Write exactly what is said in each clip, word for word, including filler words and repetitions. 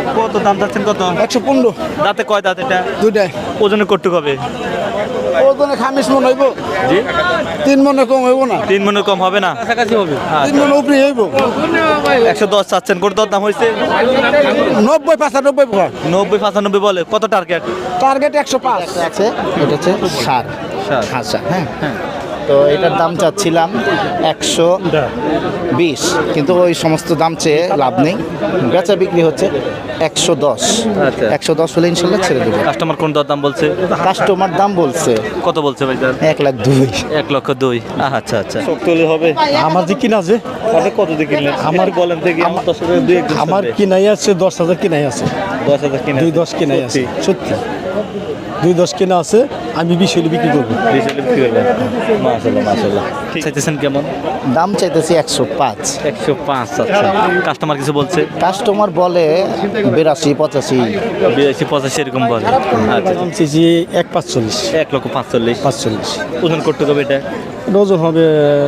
কত দাম চাচ্ছেন কত? একশো পনেরো। দাঁতে কয় দাঁত এটা? দুইটাই। ওজনে কটুক হবে? ওজনে খামিশ মন হইব। জি, তিন মনে কম হইব না। তিন মনে কম হবে না? কাছাকাছি হবে। তিন মনে উপরে হইব। একশো দশ চাচ্ছেন, কোন দর দাম হয়েছে? নব্বই পঁচানব্বই। নব্বই পঁচানব্বই বলে। কত টার্গেট? টার্গেট একশো পাঁচ আছে। এটা হচ্ছে সার হাসা। হ্যাঁ হ্যাঁ, তো এটার দাম চাচ্ছিলাম একশো বিশ, কিন্তু ওই সমস্ত দাম চেয়ে লাভ নেই। বেচা বিক্রি হচ্ছে একশো দশ। আচ্ছা। একশো দশ হলে ইনশাল্লাহ ছেড়ে দেবো। কাস্টমার কোন দর দাম বলছে? কাস্টমার দাম বলছে কত বলছে ভাই? এক লাখ দুই। এক লক্ষ দুই। আচ্ছা আচ্ছা, শক্তলি হবে। আমার যে কিনা আছে, আপনি কত দিয়ে কিনলেন? আমার বলেন থেকে আমার দশ হাজার দুই একজন আমার কিনাই আছে দশ হাজার কিনাই আছে। দশ হাজার কিনে দুই দশ কিনাই আছে, সত্যি দুই দশ কিনা আছে। আমি বিশ হলে বিক্রি করবো। বিক্রি করবেন? মাশাআল্লাহ মাশাআল্লাহ। চাইতেছেন কেমন? দাম চাইতেছি একশো পাঁচ। একশো পাঁচ। আচ্ছা, কাস্টমার কিছু বলছে? কাস্টমার বলে বিরাশি পঁচাশি। বিরাশি পঁচাশি এরকম বলে। আচ্ছা, দাম চেয়েছি এক পাঁচচল্লিশ। এক লক্ষ পাঁচচল্লিশ। পাঁচচল্লিশ ওজন করতে হবে এটা? ওজন হবে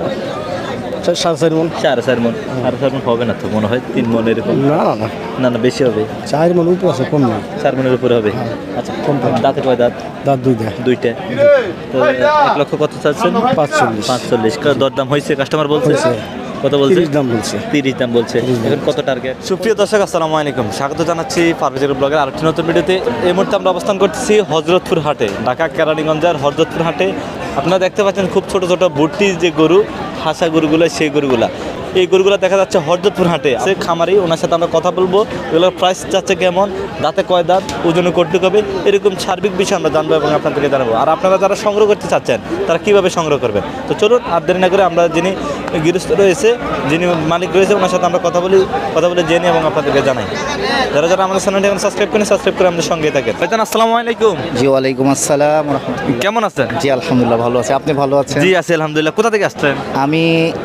সাড়ে চার মন। সাড়ে চার মন। সাড়ে চার মন হবে না তো মনে হয়, তিন মন এরকম। না না না, না না, বেশি হবে। চার মন উপরে আছে, কম না। চার মনের উপরে হবে। আচ্ছা, কম পাবে। দাঁতে কয় দাঁত? দাঁত দুই দেয়। দুইটা। তো এক লক্ষ কত চাচ্ছেন? পাঁচচল্লিশ। পাঁচচল্লিশ। দরদাম হয়েছে? কাস্টমার বলছে হয়েছে। কত বলছে? তিরিশ দাম বলছে। তিরিশ দাম বলছে। এখন কত টার্গেট? সুপ্রিয় দর্শক, আসসালামু আলাইকুম, স্বাগত জানাচ্ছি পারভেজের ব্লগের আরেকটি নতুন ভিডিওতে। এই মুহূর্তে আমরা অবস্থান করতেছি হযরতপুর হাটে, ঢাকা কেরানীগঞ্জের হযরতপুর হাটে। আপনারা দেখতে পাচ্ছেন খুব ছোট ছোট ভুট্টি যে গরু, হাসা গরুগুলো, সেই গরুগুলা, এই গরুগুলো দেখা যাচ্ছে হযরতপুর হাটে। সে খামারি, ওনার সাথে আমরা কথা বলবো। এগুলোর প্রাইস যাচ্ছে কেমন, দাঁতে কয় দাঁত, ওজনে কটুক হবে, এরকম সার্বিক বিষয় আমরা জানবো এবং আপনাদেরকে জানাবো। আর আপনারা যারা সংগ্রহ করতে চাচ্ছেন তারা কীভাবে সংগ্রহ করবেন, তো চলুন আর দেরি না করে আমরা যিনি গৃহস্থ রয়েছে, যিনি মালিক রয়েছে, ওনার সাথে আমরা কথা বলি, কথা বলে জেনে এবং আপনাদেরকে জানাই। যারা যারা আমাদের চ্যানেলটি এখন সাবস্ক্রাইব করেন, সাবস্ক্রাইব করে আমাদের সঙ্গে থাকেন। ভাইজান আসসালামু আলাইকুম। জি ওয়ালাইকুম আসসালাম রাহমাতুল্লাহ। কেমন আছেন? জি আলহামদুলিল্লাহ ভালো আছে। আপনি ভালো আছেন? জি আছি আলহামদুলিল্লাহ। কোথা থেকে আসছেন? আমি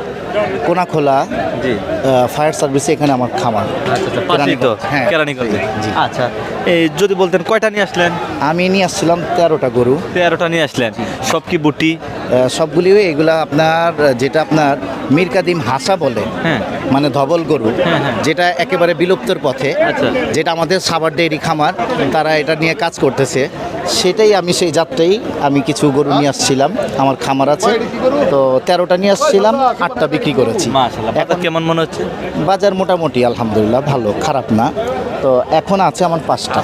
কোনাখোলা জি। ফায়ার সার্ভিসে এখানে আমার খামার। আচ্ছা আচ্ছা, পাশেই তো, হ্যাঁ, কেরানীগঞ্জে। জি। আচ্ছা, এই যদি বলতেন কয়টা নিয়ে আসলেন? আমি নিয়ে আসছিলাম তেরোটা গরু। তেরোটা নিয়ে আসলেন। সব কি বুটি? আহ, সবগুলি এগুলা আপনার যেটা আপনার মীর কাদিম হাসা বলে, হ্যাঁ। মানে ধবল গরু, হ্যাঁ, হ্যাঁ। যেটা একেবারে বিলুপ্তর পথে। আচ্ছা। যেটা আমাদের সাভার ডেইরি খামার, তারা এটা নিয়ে কাজ করতেছে। সেটাই আমি সেই যাত্রাই আমি কিছু গরু নিয়ে আসছিলাম, আমার খামার আছে। তো তেরোটা নিয়ে আসছিলাম, আটটা বিক্রি করেছি। মাশাআল্লাহ। বাজার কেমন মনে হচ্ছে? বাজার মোটামুটি আলহামদুলিল্লাহ ভালো, খারাপ না। তো এখন আছে আমার পাঁচটা।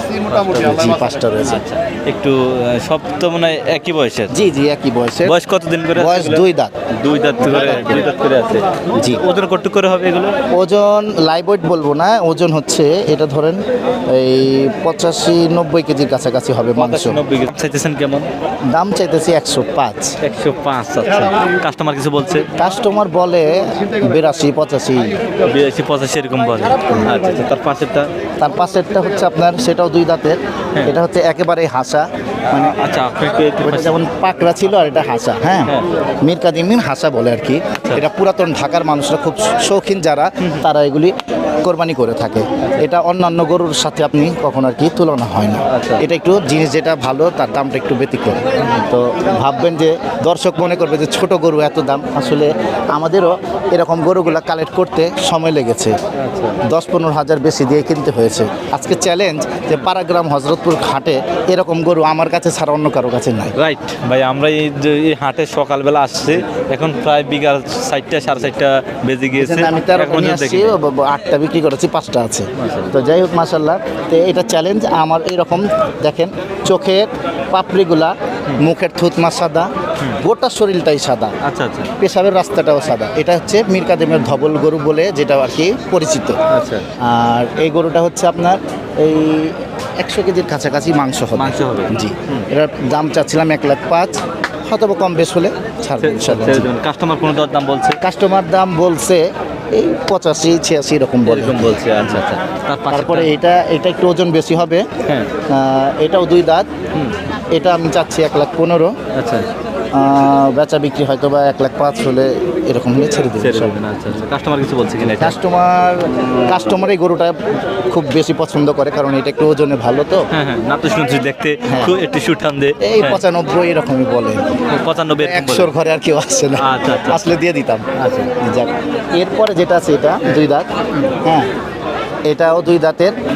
জি পাঁচটা রয়েছে। আচ্ছা, একটু আহ, সব তো মনে হয় একই বয়সের। জি জি একই বয়সে। বয়স কতদিন করে? বয়স দুই দাঁত। দুই দাঁত করে, দুই দাঁত করে আছে। জি। ওজন কত করে হবে এগুলো? ওজন লাইভ ওয়েট বলবো না, ওজন হচ্ছে এটা ধরেন এই পঁচাশি নব্বই কেজির কাছাকাছি হবে মাংস। নব্বই কেজি। চাইতেছেন কেমন? দাম চাইতেছি একশো পাঁচ। একশো পাঁচ। আচ্ছা, কাস্টমার কিছু বলছে? কাস্টমার বলে বিরাশি পঁচাশি। বিরাশি পঁচাশি এরকম বলে। আচ্ছা আচ্ছা, তার পাশেরটা? তার পাশেরটা হচ্ছে আপনার, সেটাও দুই দাঁতের। এটা হচ্ছে একেবারে হাসা, মানে আচ্ছা, আপনাকে ওটা যেমন পাকড়া ছিল আর এটা হাসা। হ্যাঁ, হ্যাঁ। মীর কাদিমিন হাসা বলে আর কি। এটা পুরাতন ঢাকার মানুষরা খুব শৌখিন যারা, তারা এগুলি কোরবানি করে থাকে। এটা অন্যান্য গরুর সাথে আপনি কখন আর কি তুলনা হয় না। আচ্ছা। এটা একটু জিনিস যেটা ভালো, তার দামটা একটু ব্যতিক্রম। তো ভাববেন যে দর্শক মনে করবে যে ছোট গরু এত দাম, আসলে আমাদেরও এরকম গরুগুলা কালেক্ট করতে সময় লেগেছে। দশ পনেরো হাজার বেশি দিয়ে কিনতে হয়েছে। আজকে চ্যালেঞ্জ যে পাড়াগ্রাম হযরতপুর হাটে এরকম গরু আমার কাছে ছাড়া অন্য কারো কাছে নাই। রাইট ভাই, আমরা এই যে এই হাটে সকালবেলা আসছি, এখন প্রায় বিকাল চারটা সাড়ে চারটা বেজে গিয়েছে। আমি তেরোটা এখনো নিয়ে আসছি, দেখিনি। ব- ব- আটটা বিক্রি করেছি, পাঁচটা আছে। তো যাই হোক মাশাল্লাহ। তো এটা চ্যালেঞ্জ আমার। এরকম দেখেন চোখের পাপড়িগুলা, মুখের থুতমা সাদা, গোটা শরীরটাই সাদা, আচ্ছা আচ্ছা পেশাবের রাস্তাটাও সাদা। এটা হচ্ছে মীর কাদিমের ধবল গরু বলে যেটা আর কি পরিচিত। আচ্ছা। আর এই গরুটা হচ্ছে আপনার এই একশো কেজির কাছাকাছি মাংস হবে। মাংস হবে। জি। এটার দাম চাচ্ছিলাম এক লাখ পাঁচ, হয়তো বা কম বেশ হলে ছাড়বো ইনশাল্লাহ। জি। কাস্টমার কোনো দর দাম বলছে? কাস্টমার দাম বলছে এই পঁচাশি ছিয়াশি এরকম বলে। এরকম বলছে। আচ্ছা আচ্ছা, তার পাশেরটা? তারপরে এটা এটা একটু ওজন বেশি হবে। হ্যাঁ। আহ, এটাও দুই দাঁত। এটা আমি চাচ্ছি এক লাখ পনেরো। আচ্ছা, আহ, বেচা বিক্রি হয়তো বা এক লাখ পাঁচ হলে এরকম হলে ছেড়ে দেবে। ছেড়ে দেবেন। আচ্ছা আচ্ছা, কাস্টমার কিছু বলছে কিনা এটা? কাস্টমার কাস্টমার এই গরুটা খুব বেশি পছন্দ করে, কারণ এটা একটু ওজনে ভালো তো। হ্যাঁ হ্যাঁ, না তো শুনছি দেখতে হ্যাঁ। খুব একটু সুঠাম দে। এই পঁচানব্বই এরকমই বলে। পঁচানব্বই এরকম বলে। একশোর ঘরে আর কেউ আসছে না। আচ্ছা, আচ্ছা। আসলে দিয়ে দিতাম। আচ্ছা। যাক, এরপরে যেটা আছে এটা দুই দাঁত। হ্যাঁ, এটাও দুই দাঁতের।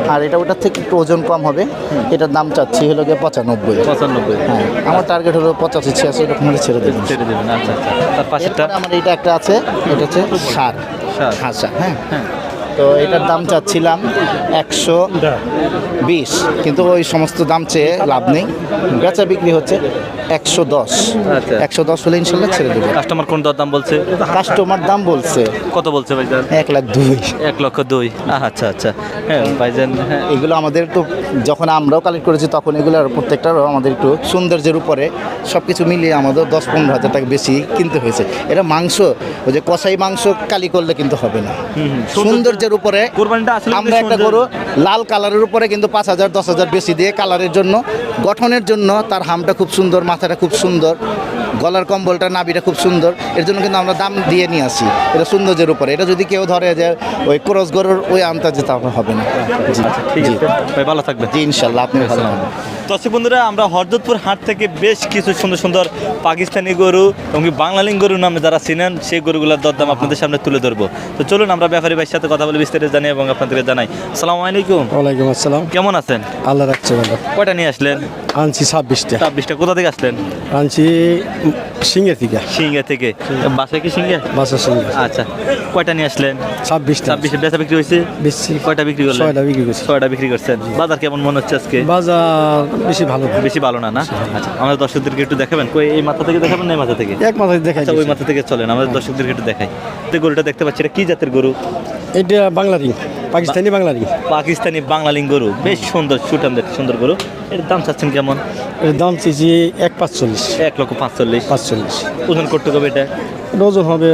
আর এটা ওটার থেকে একটু ওজন কম হবে। এটার দাম চাচ্ছি হলো গিয়ে পঁচানব্বই। পঁচানব্বই হ্যাঁ, আমার টার্গেট হলো পঁচাশি ছিয়াশি, এরকম হলে ছেড়ে দেবেন। ছেড়ে দেবেন। আচ্ছা আচ্ছা, তার পাশেরটা এরপরে আমার এটা একটা আছে, এটা হচ্ছে সার ষাঁড়। হাসা। হ্যাঁ হ্যাঁ, তো এটার দাম চাচ্ছিলাম একশো বিশ, কিন্তু ওই সমস্ত দাম চেয়ে লাভ নেই, বেচা বিক্রি হচ্ছে একশো দশ। আচ্ছা। একশো দশ হলে ইনশাল্লাহ ছেড়ে দেবে। কাস্টমার কোন দাম বলছে? কাস্টমার দাম বলছে কত বলছে ভাইজান? এক লাখ দুই। এক লক্ষ দুই। আচ্ছা আচ্ছা, হ্যাঁ ভাইজান, হ্যাঁ এগুলো আমাদের একটু, যখন আমরাও কালেক্ট করেছি তখন এগুলোর প্রত্যেকটারও আমাদের একটু সৌন্দর্যের উপরে সব কিছু মিলিয়ে আমাদের দশ পনেরো হাজার টাকা বেশি কিনতে হয়েছে। এটা মাংস, ওই যে কষাই মাংস কালি করলে কিন্তু হবে না। সৌন্দর্যের উপরে কোরবানিটা আসলে আমরা একটা সৌন্দর্য- গরু লাল কালারের উপরে কিন্তু পাঁচ হাজার দশ হাজার বেশি দিয়ে কালারের জন্য, গঠনের জন্য তার হামটা খুব সুন্দর, মাথাটা খুব সুন্দর, গলার কম্বলটা নাভিটা খুব সুন্দর, এর জন্য কিন্তু আমরা দাম দিয়ে নিয়ে আসি। এটা সৌন্দর্যের উপরে। এটা যদি কেউ ধরে যে ওই ক্রস গরুর ওই আন্তাজে, তাহলে হবে না। জি ঠিক জি আছে ভাই, ভালো থাকবেন। জি ইনশাল্লাহ, আপনি ভালো থাকবেন। দর্শক বন্ধুরা, আমরা হরজতপুর হাট থেকে বেশ কিছু সুন্দর সুন্দর পাকিস্তানি গরু এবং কি বাংলালিং গরু নামে যারা চিনেন সেই গরুগুলোর দরদাম আপনাদের সামনে তুলে ধরবো। তো চলুন আমরা ব্যাপারী ভাইয়ের সাথে কথা বলে বিস্তারিত জানি এবং আপনাদেরকে জানাই। আসসালামু আলাইকুম। ওয়ালাইকুম আসসালাম। কেমন আছেন? আল্লাহ রাখছে ভালো। কয়টা নিয়ে আসলেন? আনছি ছাব্বিশটা। ছাব্বিশটা। কোথা থেকে আসলেন? আনছি সিঙ্গে থেকে। সিঙ্গা থেকে। বাসায় কি সিঙ্গা? বাসার সিঙ্গে আচ্ছা, কয়টা নিয়ে আসলেন? ছাব্বিশটা। ছাব্বিশে বেচা বিক্রি হয়েছে? বেশি কয়টা বিক্রি করলেন? ছয়টা বিক্রি করছি। ছয়টা বিক্রি করছেন। বাজার কেমন মনে হচ্ছে আজকে? বাজার বেশি ভালো না। বেশি ভালো না না? আচ্ছা, আমাদের দর্শকদেরকে একটু দেখাবেন। কই এই মাথা থেকে দেখাবেন না এই মাথা থেকে? এক মাথায় দেখাই আচ্ছা, ওই দিয়েছি। মাথা থেকে চলেন, আমাদের দর্শকদেরকে একটু দেখাই। তো গরুটা দেখতে পাচ্ছি, এটা কি জাতের গরু? এটা বাংলা রিং, পাকিস্তানি বাংলা রিং। পাকিস্তানি বাংলালিং গরু, বেশ সুন্দর, সুঠাম দেখতে সুন্দর গরু। এর দাম চাচ্ছেন কেমন? এর দাম চেয়েছি এক পাঁচচল্লিশ। এক লক্ষ পাঁচচল্লিশ। পাঁচচল্লিশ। ওজন করতে হবে এটা? এটা ওজন হবে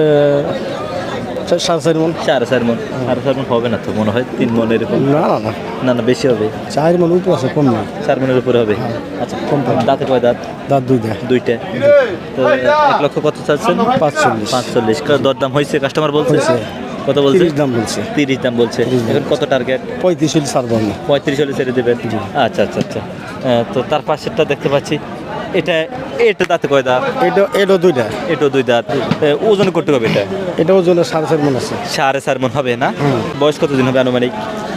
চা- সাড়ে চার মন। সাড়ে চার মন। সাড়ে চার মন হবে না তো, মনে হয় তিন মন এরকম। না না না, না না, বেশি হবে। চার মন উপরে আছে, কম না। চার মনের উপরে হবে। আচ্ছা, কম পাবে। দাঁতে কয় দাঁত? দাঁত দুই দেয়। দুইটা। তো এক লক্ষ কত চাচ্ছেন? পাঁচচল্লিশ। পাঁচচল্লিশ। দরদাম হয়েছে? কাস্টমার বলছে হয়েছে। কত বলছে? তিরিশ দাম বলছে। তিরিশ দাম বলছে। তিরিশ দাম এখন কত টার্গেট? পঁয়ত্রিশ হলে ছাড়বো না। পঁয়ত্রিশ হলে ছেড়ে দেবেন? আচ্ছা আচ্ছা আচ্ছা। আহ, তো তার পাশেরটা দেখতে পাচ্ছি, এটা এটা দাঁতে কয় দাঁত? এটা এটা দুইটা। এটাও দুই দাঁত। আহ, ওজন করতে হবে এটা? এটা ওজনে সাড়ে চার মন আছে। সাড়ে চার মন হবে না? হুম। বয়স কতদিন হবে আনুমানিক?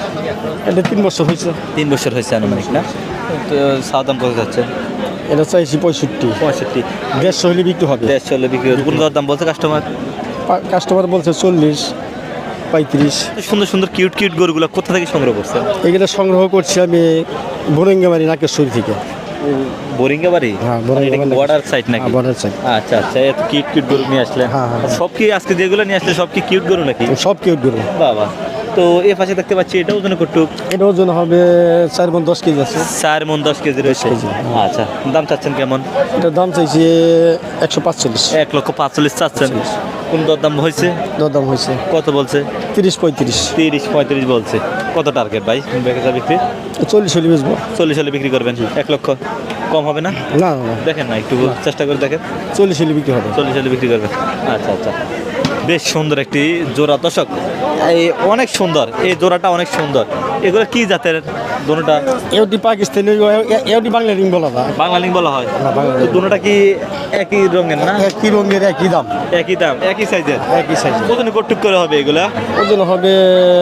এটা তিন বছর হয়েছে। তিন বছর হয়েছে আনুমানিক না? তো সাদাম কত যাচ্ছে? এটা চাইছি পঁয়ষট্টি। পঁয়ষট্টি। দেড়শো হলে বিক্রি হবে। দেড় চল্লিশ বিক্রি হবে। কোন দাম বলছে কাস্টমার? পা- কাস্টমার বলছে চল্লিশ, পঁয়ত্রিশ। সুন্দর সুন্দর কিউট কিউট গরুগুলো কোথা থেকে সংগ্রহ করছেন? এগুলো সংগ্রহ করছি আমি বোরেঙ্গামারি নাকেশ্বরী থেকে। বোরিঙ্গা বাড়ি? হ্যাঁ, বোরিঙ্গা বাড়ি। বর্ডার সাইড নাকি? হ্যাঁ, border side। আচ্ছা আচ্ছা, এত কিউট কিউট গরু নিয়ে আসলেন। হ্যাঁ, হ্যাঁ। সব কি আজকে যেগুলো নিয়ে আসলে সব কি কিউট গরু নাকি? সব কেউ গরু। বাবা, তো এ পাশে দেখতে পাচ্ছি এটা ওজন কটুক? এটা ওজন হবে চার মন দশ কেজি আছে। চার মন দশ কেজি রয়েছে। কেজি, হ্যাঁ। আচ্ছা, দাম চাচ্ছেন কেমন? এটার দাম চাইছি একশো পাঁচচল্লিশ। এক লক্ষ পাঁচচল্লিশ চাচ্ছেন। কোন দরদাম হয়েছে? দরদাম হয়েছে কত বলছে? তিরিশ পঁয়ত্রিশ। তিরিশ পঁয়ত্রিশ বলছে। কত টার্গেট ভাই বেচা বিক্রি? চল্লিশ হলে বেচবো। চল্লিশ হলে বিক্রি করবেন? এক লক্ষ কম হবে না? না না না, দেখেন না, একটু চেষ্টা করে দেখেন। চল্লিশ হলে বিক্রি হবে। চল্লিশ হলে বিক্রি করবেন? আচ্ছা আচ্ছা, বেশ সুন্দর একটি জোড়া। দর্শক, এই অনেক সুন্দর, এই জোড়াটা অনেক সুন্দর। এগুলো কি জাতের দোনোটা? এওটি পাকিস্তানি, এওটি বাংলা রিং বলা যায়। বাংলালিং বলা হয়। হ্যাঁ, বাংলা তো ring। দোনোটা কি একই রঙের না? একই রঙের একই দাম। একই দাম, একই সাইজের? একই সাইজ। ওজন কটুক করে হবে এগুলা? ওজন হবে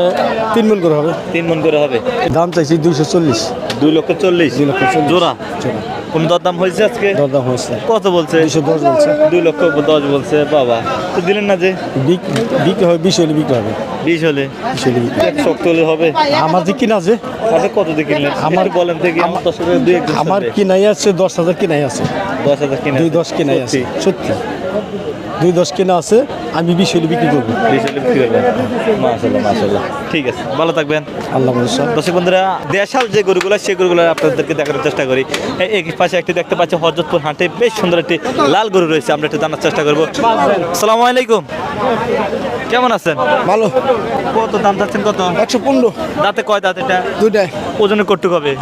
তিন মন করে হবে। তিন মন করে হবে। দাম চাইছি দুইশো চল্লিশ। দুই লক্ষ চল্লিশ। দুই লক্ষ চল্লিশ। জোড়া? জোড়া। কোন দরদাম হয়েছে আজকে? দরদাম হয়েছে কত বলছে? দুইশো দশ বলছে। দুই লক্ষ দশ বলছে। বাবা, তো দিলেন না যে? বিক- বিক্রি হবে বিশ হলে বিক্রি হবে। বিশ হলে? বিশ হলে বিক্রি এক শক্ত হলে হবে? আমার যে কিনা আছে, আপনি কত দিয়ে কিনলেন আমার আমার- বলেন থেকে? আমার দশ হাজার দুই একজন আমার শুনবে। কিনাই আছে দশ হাজার কিনাই আছে। দশ হাজার কিনে দুই দশ কিনাই আছে, সত্যি দুই দশ কিনা আছে। আমি বিশ হলে বিক্রি করবো। বিশ হলে বিক্রি করবেন? মাশাল্লাহ মাশাল্লাহ, ঠিক আছে, ভালো থাকবেন। আল্লাহ ভরসা। দর্শক বন্ধুরা, দেশাল যে গরুগুলো সেই গরুগুলো আপনাদেরকে দেখানোর চেষ্টা করি। এই এক পাশে একটি দেখতে পাচ্ছি হযরতপুর হাটে বেশ সুন্দর একটি লাল গরু রয়েছে, আমরা একটু জানার চেষ্টা করবো। আসসালামু আলাইকুম, কেমন আছেন? ভালো। কত দাম চাচ্ছেন? কত? একশো পনেরো। দাঁতে কয় দাঁত এটা? দুইটাই। ওজনে কটুক হবে?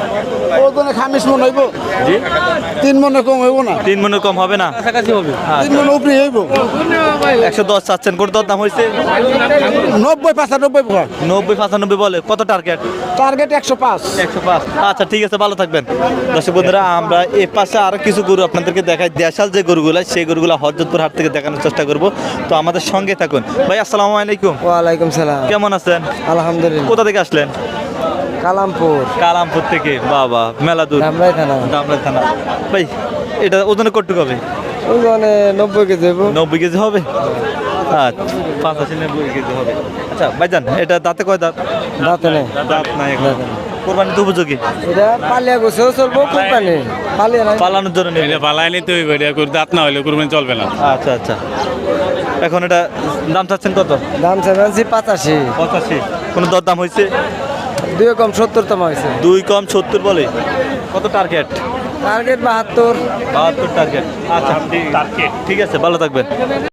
ওজনে খামিশ মন হইব। জি, তিন মনে কম হইব না। তিন মনের কম হবে না? কাছাকাছি হবে। তিন মনে উপরে হইব। একশো দশ চাচ্ছেন, কোন দর দাম হয়েছে? নব্বই পঁচানব্বই। নব্বই পঁচানব্বই বলে। কত টার্গেট? টার্গেট একশো পাঁচ। একশো পাঁচ। আচ্ছা, ঠিক আছে, ভালো থাকবেন। দর্শক বন্ধুরা, আমরা এ পাশে আরো কিছু গরু আপনাদেরকে দেখাই, দেশাল যে গরুগুলো সেই গরুগুলো হযরতপুর হাট থেকে দেখানোর চেষ্টা করব। তো আমাদের সঙ্গে থাকুন। ভাই আসসালামু আলাইকুম। ওয়ালাইকুম সালাম। কেমন আছেন? আলহামদুলিল্লাহ। কোথা থেকে আসলেন? কালামপুর কালামপুর থেকে বাবা মেলা দূর ধামরাই থানা দামরা থানা ভাই এটা ওজনে কটুক হবে ওই মানে নব্বই কেজি হইব নব্বই কেজি হবে আচ্ছা পাঁচাশি নব্বই কেজি হবে আচ্ছা ভাইজান এটা দাঁতে কয় দাঁত দাঁতে নেই দাঁত নাই এখন কোরবানি তো উপযোগী এটা পালিয়া গোছেও চলবো কোরবানি পালিয়া নাই পালানোর জন্য নেবে এটা পালাই নিতে হইবে এটা করে দাঁত না হইলে কুরবানি চলবে না আচ্ছা আচ্ছা এখন এটা দাম চাচ্ছেন কত দাম চাইছি পাঁচাশি পঁচাশি কোনো দর দাম হয়েছে দুই কম সত্তর তম হয়েছে দুই কম সত্তর বলে কত টার্গেট টার্গেট বাহাত্তর বাহাত্তর টার্গেট আচ্ছা টার্গেট ঠিক আছে ভালো থাকবেন